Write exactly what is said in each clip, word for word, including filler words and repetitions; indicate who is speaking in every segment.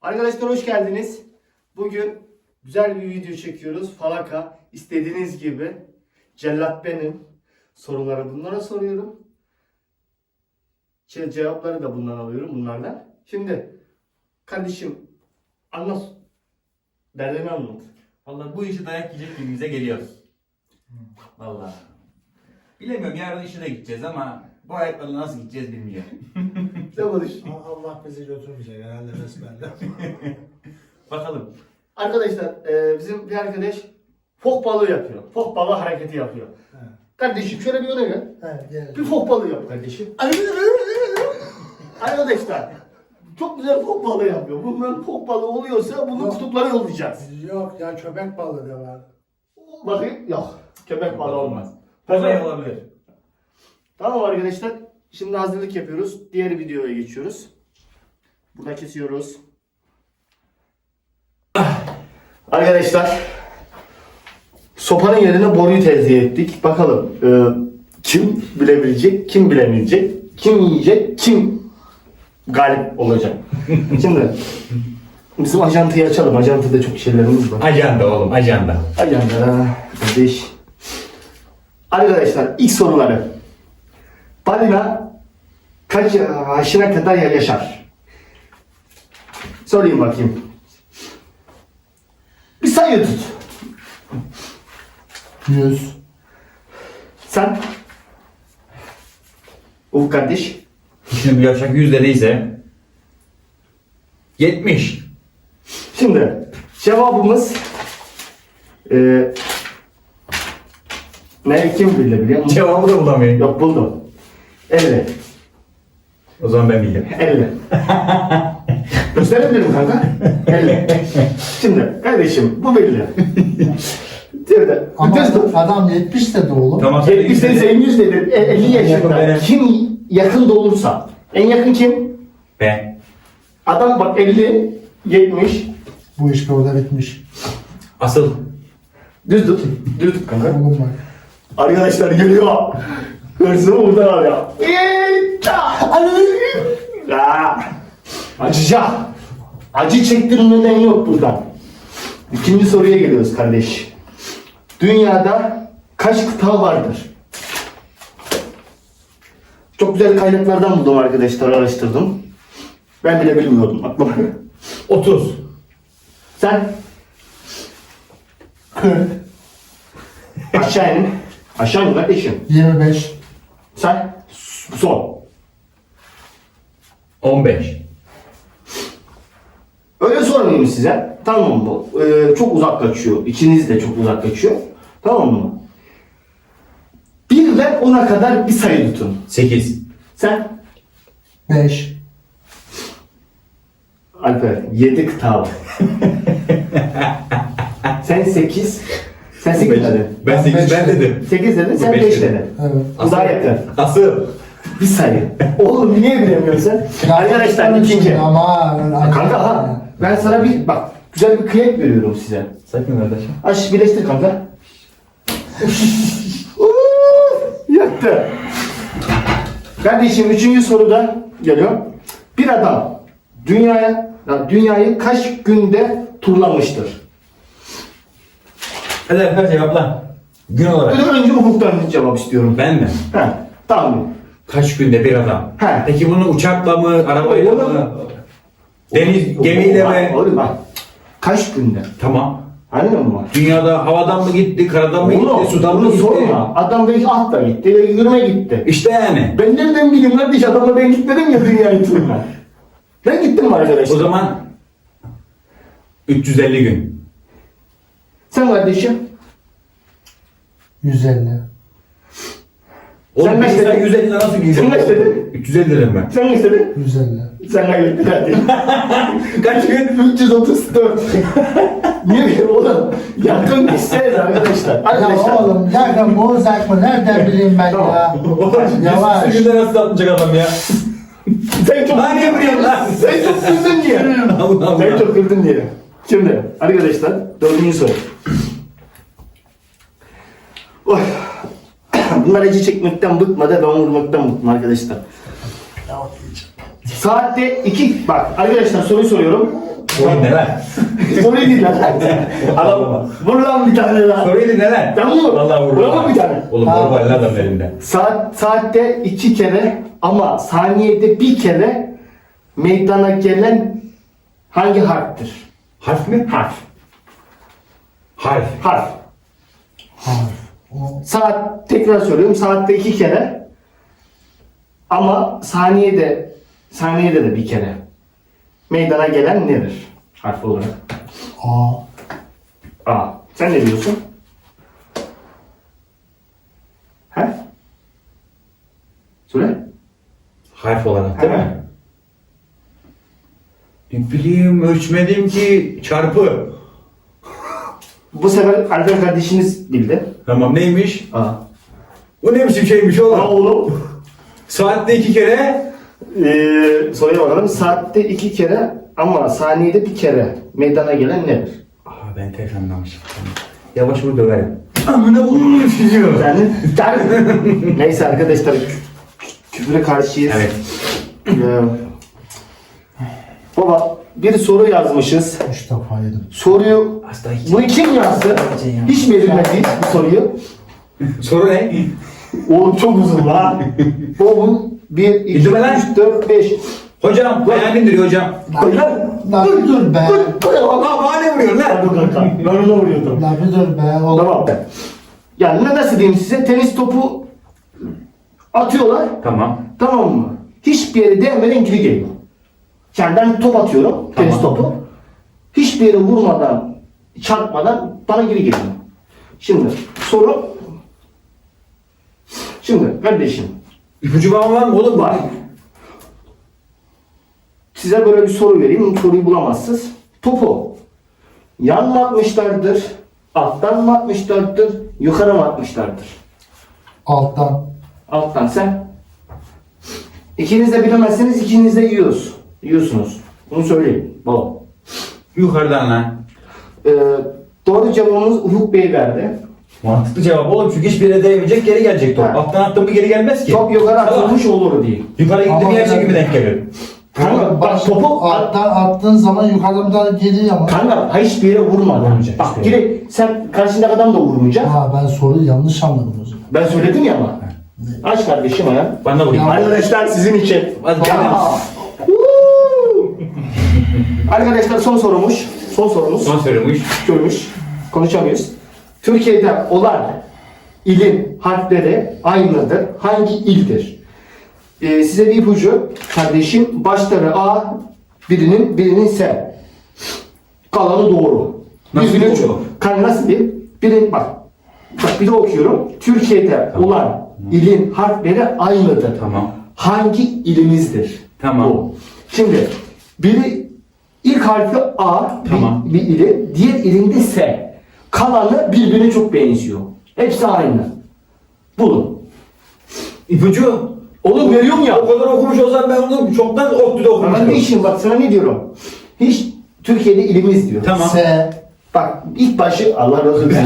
Speaker 1: Arkadaşlar hoş geldiniz. Bugün güzel bir video çekiyoruz. Falaka istediğiniz gibi. Cellat benim. Soruları bunlara soruyorum. Ce- Cevapları da bundan alıyorum bunlardan. Şimdi kardeşim anlat. Derdini anlat.
Speaker 2: Vallahi bu işi dayak yiyecek gibimize geliyor. Vallahi. Bilemiyorum, yarın işe de gideceğiz ama bu ayaklarla nasıl gideceğiz bilmiyorum.
Speaker 1: Ne konuş?
Speaker 3: Allah bizi götürmeyecek herhalde besbelli.
Speaker 2: Bakalım.
Speaker 1: Arkadaşlar e, bizim bir arkadaş fok balığı yapıyor. Fok balığı hareketi yapıyor.
Speaker 3: He.
Speaker 1: Kardeşim şöyle bir öne gel.
Speaker 3: He gel.
Speaker 1: Bir fok balığı yap kardeşim. Arkadaşlar çok güzel fok balığı yapıyor. Bunların fok balığı oluyorsa bunun
Speaker 3: Yok.
Speaker 1: kutuplara yollayacağız.
Speaker 3: Yok ya köpek balığı da var.
Speaker 1: Bakayım yok. Köpek balığı olmaz.
Speaker 2: Kolay olabilir.
Speaker 1: Tamam arkadaşlar. Şimdi hazırlık yapıyoruz. Diğer videoya geçiyoruz. Burada kesiyoruz. Arkadaşlar sopanın yerine boruyu tercih ettik. Bakalım e, kim bilebilecek, kim bilemeyecek, kim yiyecek, kim galip olacak. Şimdi bizim ajantayı açalım. Ajantada çok şeylerimiz var.
Speaker 2: Ajanda oğlum, ajanda.
Speaker 1: Ajanda kardeş. Arkadaşlar ilk soruları. Balina kaç yaşına kadar yaşar? Sorayım bakayım. Bir sayı tut.
Speaker 3: Yüz.
Speaker 1: Sen? Ufuk kardeş.
Speaker 2: Şimdi bu yavşak yüz dediyse yetmiş.
Speaker 1: Şimdi cevabımız e, ne kim bilebiliyor musun?
Speaker 2: Cevabı da bulamıyorum.
Speaker 1: Yok buldum. elli.
Speaker 2: O zaman ben bildim.
Speaker 1: elli. Gösterebilirim kanka. elli. Şimdi kardeşim bu belli. Şimdi
Speaker 3: Ama
Speaker 1: düz tut.
Speaker 3: adam yetmiş dedi oğlum.
Speaker 2: Tamam.
Speaker 1: yetmiş dedi, sen yüz dedin. E, elli yaşında.
Speaker 2: benim.
Speaker 1: Kim yakın da olursa. En yakın kim?
Speaker 2: Ben.
Speaker 1: Adam bak elli, yetmiş.
Speaker 3: Bu iş burada bitmiş.
Speaker 2: Asıl.
Speaker 1: Düz tut. Düz tut kanka.
Speaker 3: Oğlum bak.
Speaker 1: Arkadaşlar geliyor. Hırsımı buradan alıyor. Ya. Acıca. Acı çektirmeden yok buradan. İkinci soruya geliyoruz kardeş. Dünyada kaç kıta vardır? Çok güzel kaynaklardan buldum arkadaşlar, araştırdım. Ben bile bilmiyordum aklıma.
Speaker 2: otuz.
Speaker 1: Sen
Speaker 3: kırk.
Speaker 1: aşağı in. Aşağı in kardeşim.
Speaker 3: yirmi beş.
Speaker 1: Sen son.
Speaker 2: on beş.
Speaker 1: Öyle sormayayım size. Tamam mı? Ee, çok uzak kaçıyor. İkiniz de çok uzak kaçıyor. Tamam mı? Birden ona kadar bir sayı tutun.
Speaker 2: sekiz.
Speaker 1: Sen
Speaker 3: beş.
Speaker 1: Alper yedi kıta var. Sen sekiz. Sen sekiz dedin.
Speaker 2: Ben
Speaker 3: Ben
Speaker 2: sekiz
Speaker 3: beş
Speaker 2: ben
Speaker 3: dedim.
Speaker 2: dedim.
Speaker 1: Sekiz dedin, sen
Speaker 2: beş
Speaker 1: beş
Speaker 2: dedim.
Speaker 1: dedin.
Speaker 3: Evet.
Speaker 1: Bu daha yakın.
Speaker 2: Asıl.
Speaker 1: Bir sayı. Oğlum niye bilemiyorsun sen? Arkadaşlar ikinci.
Speaker 3: Ama
Speaker 1: Kanka ha. Ben sana bir bak güzel bir kıyak veriyorum size.
Speaker 2: Sakın kardeşim.
Speaker 1: Aç birleştir kanka. Uuu, Yaktı. Kardeşim üçüncü soruda geliyor. Bir adam dünyaya ya dünyayı kaç günde turlamıştır?
Speaker 2: Hadi Alper cevapla. Gün olarak.
Speaker 1: Önce, önce Ufuk'tan cevap istiyorum.
Speaker 2: Ben mi?
Speaker 1: He, tamam.
Speaker 2: Kaç günde bir adam?
Speaker 1: He.
Speaker 2: Peki bunu uçakla mı, arabayla
Speaker 1: Oğlum.
Speaker 2: mı? Deniz gemiyle
Speaker 1: Bak,
Speaker 2: mi?
Speaker 1: Oğlum bak. Kaç günde?
Speaker 2: Tamam.
Speaker 1: Anladın mı?
Speaker 2: Dünyada havadan mı gitti, karadan mı
Speaker 1: Oğlum,
Speaker 2: gitti, sudan mı
Speaker 1: bunu
Speaker 2: gitti?
Speaker 1: sorma. Adam belki atla gitti, yürüme gitti.
Speaker 2: İşte yani.
Speaker 1: Ben nereden bileyim kardeş, adamla ben gitmedim ya dünyayı turuna. Ben gittim mi arkadaşlar?
Speaker 2: O zaman üç yüz elli gün.
Speaker 1: Sen kardeşim?
Speaker 3: yüz elli.
Speaker 2: Oğlum
Speaker 1: Sen
Speaker 2: bir
Speaker 1: kaç
Speaker 2: insan
Speaker 1: dedin?
Speaker 2: yüz elli lira nasıl giyiyor?
Speaker 1: Sen kaç dedin?
Speaker 2: üç yüz elli dedim ben.
Speaker 1: Sen ne istedin?
Speaker 3: yüz elli.
Speaker 1: Sen kaybettin hadi.
Speaker 2: Kaç gün?
Speaker 1: üç yüz otuz dört. Niye bileyim oğlum? Yakın gitseniz arkadaşlar.
Speaker 3: Ya
Speaker 1: Arkadaşlar.
Speaker 3: oğlum yakın bu uzak mı? Nereden bileyim ben ya? Yavaş.
Speaker 2: yüz günde nasıl atmayacak adam ya?
Speaker 1: Sen çok
Speaker 2: Hangi buraya lan?
Speaker 1: Sen çok güldün diye.
Speaker 2: Allah Allah.
Speaker 1: Sen çok güldün diye. Şimdi arkadaşlar dördüncü soru. Oy. Bunlar acı çekmekten bıkmadı, ben vurmaktan bıktım arkadaşlar. Saatte iki, bak arkadaşlar soruyu soruyorum.
Speaker 2: Soruyu ne lan?
Speaker 1: Soruyu değil lan. Adam vur lan bir tane lan.
Speaker 2: Soruyu ne lan?
Speaker 1: Ben vur.
Speaker 2: Vallahi vur.
Speaker 1: Vur bir tane.
Speaker 2: Oğlum
Speaker 3: Ha.
Speaker 2: normal lan adam elinde.
Speaker 1: Saat, saatte iki kere ama saniyede bir kere meydana gelen hangi harftir?
Speaker 2: Harf mi?
Speaker 1: Harf.
Speaker 2: Harf.
Speaker 1: Harf.
Speaker 3: Harf. O
Speaker 1: Saat, tekrar söylüyorum, saatte iki kere ama saniyede saniyede de bir kere meydana gelen nedir? Harf olarak.
Speaker 3: A.
Speaker 1: A. Sen ne diyorsun? He? Söyle.
Speaker 2: Harf olarak değil
Speaker 1: He.
Speaker 2: mi? Ne bileyim ölçmedim ki çarpı.
Speaker 1: Bu sefer Alper kardeşiniz bildi.
Speaker 2: Tamam neymiş?
Speaker 1: A.
Speaker 2: Bu ne biçim şeymiş
Speaker 1: A
Speaker 2: oğlum?
Speaker 1: oğlum.
Speaker 2: Saatte iki kere.
Speaker 1: Ee, soruya bakalım. Saatte iki kere ama saniyede bir kere meydana gelen nedir?
Speaker 2: Aa ben tek anlamışım. Yavaş vur döverim. Amına vurmuş sizi.
Speaker 1: Yani, yani neyse arkadaşlar kü- küfüre karşıyız.
Speaker 2: Evet.
Speaker 1: Ee, baba bir soru yazmışız.
Speaker 3: Üç defa yedim.
Speaker 1: Soruyu
Speaker 2: Hasta hiç.
Speaker 1: bunu kim yazdı? Hiç verilmedi bu soruyu.
Speaker 2: Soru ne?
Speaker 1: Oğlum çok uzun lan. Bu bir, iki,
Speaker 2: Bildim lan.
Speaker 1: üç, dört, beş.
Speaker 2: Hocam hayalimdir hocam.
Speaker 1: Koy lan.
Speaker 3: Lan bir dur be.
Speaker 1: Koy, koy lan.
Speaker 2: Aa bana ne vuruyorsun lan?
Speaker 1: Pardon kanka. Ben ona vuruyordum.
Speaker 3: Lan bir dur be. Oğlum.
Speaker 1: Tamam. Yani ne nasıl diyeyim size? Tenis topu atıyorlar.
Speaker 2: Tamam.
Speaker 1: Tamam mı? Hiçbir yere değmeden geri geliyor. Yani ben top atıyorum, tenis
Speaker 2: Tamam.
Speaker 1: topu. Hiçbir yere vurmadan, çarpmadan bana geri geliyor. Şimdi soru... Şimdi kardeşim,
Speaker 2: İpucu bağım var mı oğlum?
Speaker 1: var. Size böyle bir soru vereyim, soruyu bulamazsınız. Topu yan mı atmışlardır, alttan mı atmışlardır, yukarı mı atmışlardır?
Speaker 3: Alttan.
Speaker 1: Alttan sen. İkiniz de bilemezseniz ikiniz de yiyoruz. Yiyorsunuz. Bunu söyleyeyim. Baba.
Speaker 2: Yukarıdan lan.
Speaker 1: Ee, doğru cevabımız Ufuk Bey verdi.
Speaker 2: Mantıklı cevap oğlum çünkü hiçbir yere değmeyecek geri gelecek top.
Speaker 1: Ha.
Speaker 2: Alttan attın mı geri gelmez ki.
Speaker 1: Çok yukarı
Speaker 2: Salak.
Speaker 1: atılmış olur diye.
Speaker 2: Yukarı gitti
Speaker 3: Ama
Speaker 2: mi yer
Speaker 3: ben-
Speaker 2: çekimi denk geliyor.
Speaker 1: Kanka bak topu
Speaker 3: Alttan attığın zaman yukarıdan bir tane geliyor ama.
Speaker 1: kanka hiçbir yere vurmadan.
Speaker 2: Vurmayacak
Speaker 1: Bak
Speaker 2: işte.
Speaker 1: gire sen karşındaki adam da vurmayacak.
Speaker 3: Ha ben soruyu yanlış anladım o zaman.
Speaker 1: Ben söyledim ya ama. Aç kardeşim ya.
Speaker 2: Bana vurayım.
Speaker 3: Ya.
Speaker 1: Arkadaşlar sizin için.
Speaker 2: Hadi gel.
Speaker 1: Aa. Woo! Arkadaşlar son sorumuş. Son sorumuz.
Speaker 2: Son sorumuş.
Speaker 1: Görmüş. Konuşamıyoruz. Türkiye'de olan ilin harfleri aynıdır. Hangi ildir? Ee, size bir ipucu. Kardeşim başları A, birinin birinin S. Kalanı doğru.
Speaker 2: Nasıl
Speaker 1: Birbirine
Speaker 2: doğru?
Speaker 1: çok- Kan nasıl bir? Birin bak. Bak bir de okuyorum. Türkiye'de
Speaker 2: Tamam.
Speaker 1: olan ilin harfleri aynıdır.
Speaker 2: Tamam.
Speaker 1: Hangi ilimizdir?
Speaker 2: Tamam.
Speaker 1: Bu. Şimdi biri ilk harfi A
Speaker 2: Tamam.
Speaker 1: bir, bir ili, diğer ilinde S. Kalanı birbirine çok benziyor. Hepsi aynı. Bulun.
Speaker 2: İpucu.
Speaker 1: Oğlum veriyorum ya.
Speaker 2: O kadar okumuş olsam ben onu çoktan ODTÜ'de
Speaker 1: Ben ne
Speaker 2: okumuştum.
Speaker 1: işim bak sana ne diyorum. Hiç Türkiye'de ilimiz diyor.
Speaker 2: Tamam.
Speaker 3: S.
Speaker 1: Bak ilk başı Allah razı olsun.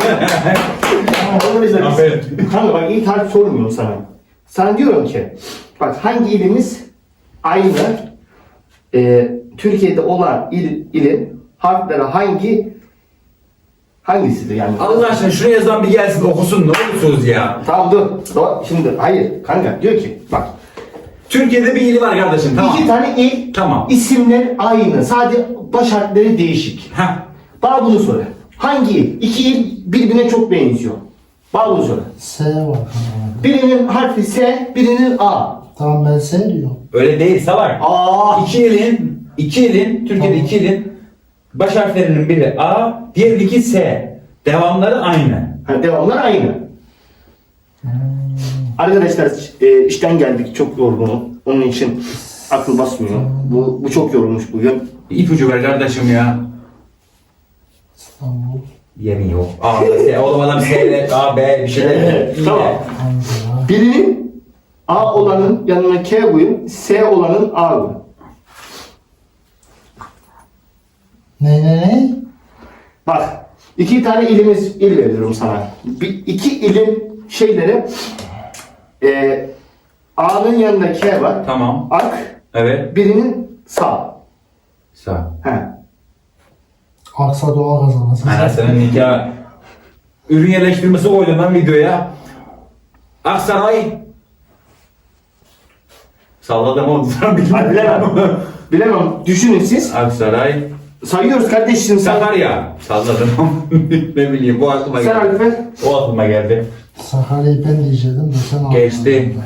Speaker 1: Arkadaşlar
Speaker 2: Aferin.
Speaker 1: biz- Kanka bak ilk harf sormuyorum sana. Sana diyorum ki bak hangi ilimiz aynı e, Türkiye'de olan il, ilin harfleri hangi hangisidir yani?
Speaker 2: Allah aşkına şuraya yazan bir gelsin okusun ne olursunuz ya.
Speaker 1: Tamam dur. Dur. Şimdi hayır kanka diyor ki bak
Speaker 2: Türkiye'de bir ili var kardeşim tamam.
Speaker 1: iki tane il
Speaker 2: Tamam.
Speaker 1: isimler aynı sadece baş harfleri değişik.
Speaker 2: Heh.
Speaker 1: Bana bunu söyle. Hangi il? İki il birbirine çok benziyor. Bana bunu söyle.
Speaker 3: S var.
Speaker 1: Birinin harfi S, birinin A.
Speaker 3: Tamam ben S diyorum.
Speaker 2: Öyle değil salak.
Speaker 1: A.
Speaker 2: İki ilin, iki ilin, Türkiye'de
Speaker 3: Tamam.
Speaker 2: iki ilin baş harflerinin biri A, diğer iki S. Devamları aynı.
Speaker 1: Ha, devamlar aynı. Arkadaşlar e, işten geldik çok yorgunum. Onun için akıl basmıyor. Bu, bu çok yorulmuş bugün.
Speaker 2: İpucu ver kardeşim ya.
Speaker 3: İstanbul.
Speaker 2: Yemin yok. A, S, oğlum adam S, ile A, B bir şeyler.
Speaker 1: Evet,
Speaker 2: İyi de.
Speaker 1: tamam.
Speaker 3: Ankara.
Speaker 1: Birinin A olanın yanına K koyun, S olanın A koyun.
Speaker 3: Ne ne ne?
Speaker 1: Bak iki tane ilimiz il veriyorum sana. Bir, iki ilin şeyleri e, A'nın yanında K var.
Speaker 2: Tamam.
Speaker 1: Ak,
Speaker 2: Evet.
Speaker 1: birinin sağ.
Speaker 2: Sağ.
Speaker 1: He.
Speaker 3: Aksa doğal kazanası.
Speaker 4: Anasının nikah. Ürün yerleştirmesi koydum ben videoya. Aksaray. Salladım oğlum.
Speaker 1: Hadi bilemem. Bilemem. Düşünün siz.
Speaker 4: Aksaray.
Speaker 1: Sayıyoruz kardeşim. Sen,
Speaker 4: Sakarya. Salladım. Ne bileyim bu aklıma
Speaker 1: sen
Speaker 4: geldi.
Speaker 1: Arife.
Speaker 4: O aklıma geldi.
Speaker 3: Sakarya'yı ben diyecektim de sen
Speaker 4: Geçti.
Speaker 3: anlamadın.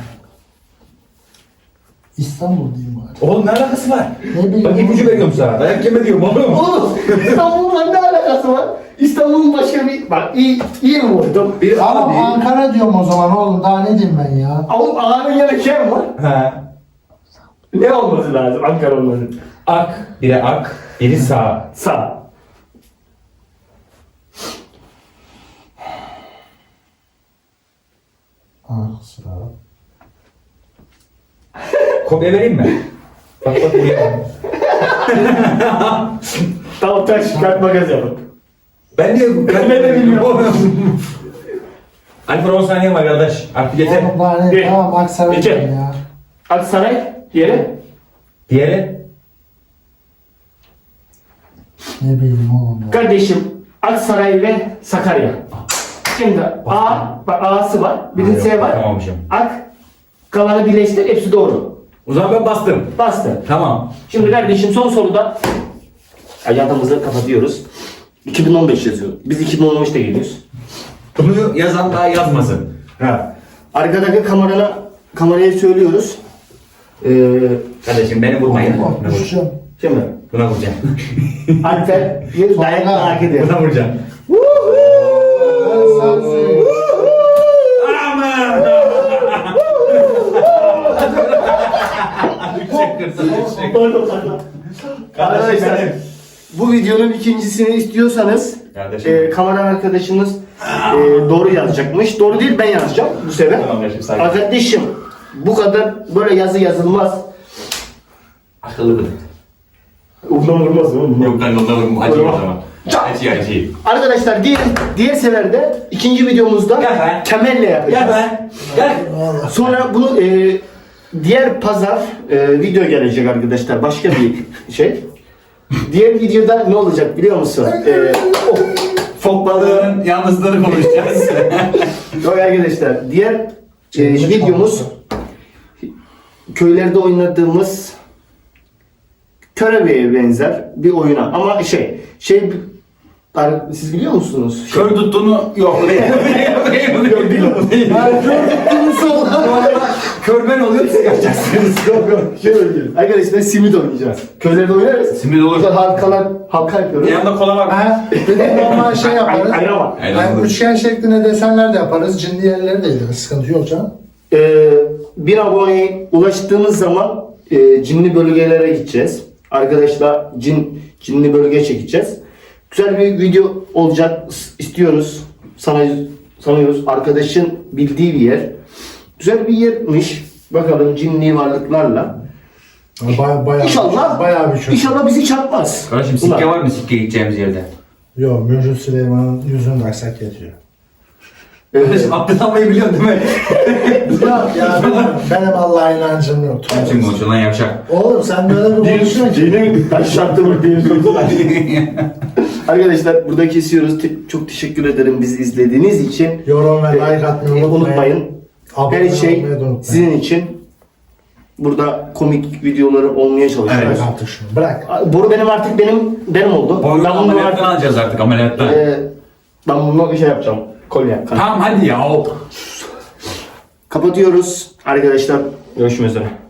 Speaker 3: İstanbul diyeyim bari.
Speaker 4: Oğlum ne alakası var?
Speaker 3: Ne bileyim.
Speaker 4: Bak ipucu veriyorum sana. Dayak yeme diyorum oğlum.
Speaker 1: Oğlum İstanbul'la ne alakası var? İstanbul'un başka bir... Bak iyi, iyi mi vurdum?
Speaker 4: Bir
Speaker 3: Ama
Speaker 4: A değil.
Speaker 3: Ankara diyorum o zaman oğlum. Daha ne diyeyim ben ya?
Speaker 1: Oğlum A'nın yanı kim var?
Speaker 4: He.
Speaker 1: Ne olması lazım Ankara olması?
Speaker 4: Ak. Biri ak. Biri sağ.
Speaker 1: Sağ.
Speaker 3: Aksa.
Speaker 4: Kopya vereyim mi? Bak bak buraya.
Speaker 1: Tamam taş kart makas yapın.
Speaker 4: Ben de ben
Speaker 1: Ben de bilmiyorum.
Speaker 4: Alper on saniye var kardeş. Artık yeter.
Speaker 3: Oğlum daha ne?
Speaker 1: Bir,
Speaker 3: Tamam Aksaray
Speaker 1: iki.
Speaker 3: diyorum ya.
Speaker 1: Aksaray yeri.
Speaker 4: Diğeri.
Speaker 3: Ne bileyim oğlum ya.
Speaker 1: Kardeşim Aksaray ve Sakarya. Şimdi A, bak A'sı var. Bir de S var.
Speaker 4: Tamammışım.
Speaker 1: Ak, kalanı birleştir. Hepsi doğru.
Speaker 4: O zaman ben bastım.
Speaker 1: Bastı.
Speaker 4: Tamam.
Speaker 1: Şimdi kardeşim son soruda hayatımızı kapatıyoruz. iki bin on beş yazıyor. Biz iki bin on beşte geliyoruz.
Speaker 4: Bunu yazan daha yazmasın.
Speaker 1: Ha. Arkadaki kamerana kameraya söylüyoruz. Ee,
Speaker 4: Kardeşim beni vurmayın.
Speaker 3: Bak
Speaker 4: Buna vur.
Speaker 3: düşeceğim.
Speaker 1: şimdi
Speaker 4: Buna vuracağım.
Speaker 1: Alper bir dayak merak ediyor.
Speaker 4: Buna vuracağım.
Speaker 3: Ben sana söyleyeyim.
Speaker 4: Aman!
Speaker 1: Pardon, pardon. Arkadaşlar bu videonun ikincisini istiyorsanız
Speaker 4: Kardeşim.
Speaker 1: e, kamera arkadaşınız e, doğru yazacakmış. Doğru değil ben yazacağım bu sefer.
Speaker 4: Tamam kardeşim, sakin.
Speaker 1: Arkadaşım bu kadar böyle yazı yazılmaz.
Speaker 4: Akıllı bırak.
Speaker 1: Ondan vurmaz oğlum.
Speaker 4: Yok ben onunla vurmam. Acı o zaman. Acı acı.
Speaker 1: Arkadaşlar diğer, diğer seferde ikinci videomuzda
Speaker 4: Gel be.
Speaker 1: kemerle yapacağız.
Speaker 4: Gel be. Gel.
Speaker 1: Sonra bunu e, diğer pazar e, video gelecek arkadaşlar. Başka bir şey. Diğer videoda ne olacak biliyor musun? E, oh,
Speaker 4: Fok balığının yalnızlığını konuşacağız.
Speaker 1: yok arkadaşlar. Diğer e, videomuz köylerde oynadığımız körebeye benzer bir oyuna. Ama şey, şey siz biliyor musunuz? Şey,
Speaker 4: Kör tuttuğunu yok. Yok değil o.
Speaker 3: Ben gördüm sonra.
Speaker 4: Körben oluyor siz yapacaksınız.
Speaker 1: yok yok şey oynayacağız. Arkadaşlar simit oynayacağız. Köylerde oynarız.
Speaker 4: Simit olur.
Speaker 1: Burada halkalar, halka yapıyoruz.
Speaker 4: Yanında kola var.
Speaker 3: Ha, bir de normal şey yaparız.
Speaker 1: Ay- ayran var.
Speaker 3: Yani üçgen şeklinde desenler de yaparız. Cinli yerleri de yaparız. Sıkıntı yok canım.
Speaker 1: Ee, bir aboneye ulaştığımız zaman e, cinli bölgelere gideceğiz. Arkadaşlar cin cinli bölge çekeceğiz. Güzel bir video olacak istiyoruz. Sana sanıyoruz. Arkadaşın bildiği bir yer. Güzel bir yermiş. Bakalım cinli varlıklarla.
Speaker 3: Baya, bayağı
Speaker 1: İnşallah
Speaker 3: bayağı bir çok.
Speaker 1: İnşallah bizi çarpmaz.
Speaker 4: Kardeşim
Speaker 1: Bunlar.
Speaker 4: sikke var mı sikke gideceğimiz yerde?
Speaker 3: Yok, Mürcü Süleyman'ın yüzünü taksak yetiyor.
Speaker 1: Evet.
Speaker 4: Kardeşim abdest almayı biliyorsun değil mi?
Speaker 3: Ya, ya benim, benim Allah'a inancım yok.
Speaker 4: Kim konuşuyor lan yavşak?
Speaker 3: Oğlum sen böyle bir konuşuyorsun ki.
Speaker 1: Cinin taşlattı mı diye sordular. Arkadaşlar burada kesiyoruz. Te- çok teşekkür ederim bizi izlediğiniz için.
Speaker 3: Yorum ve like atmayı
Speaker 1: Ee,
Speaker 3: unutmayın.
Speaker 1: unutmayın.
Speaker 3: Abone
Speaker 1: Her şey
Speaker 3: olmayı da unutmayın.
Speaker 1: sizin için. Burada komik videoları olmaya çalışıyoruz.
Speaker 3: Bırak artık şunu, bırak.
Speaker 1: Boru benim artık benim benim oldu.
Speaker 4: Boyunu
Speaker 1: Ben bunu
Speaker 4: ameliyattan
Speaker 1: artık
Speaker 4: alacağız artık ameliyattan.
Speaker 1: e, ben bunu bir şey yapacağım. Kolye.
Speaker 4: Tamam hadi ya.
Speaker 1: Kapatıyoruz arkadaşlar. Görüşmek üzere.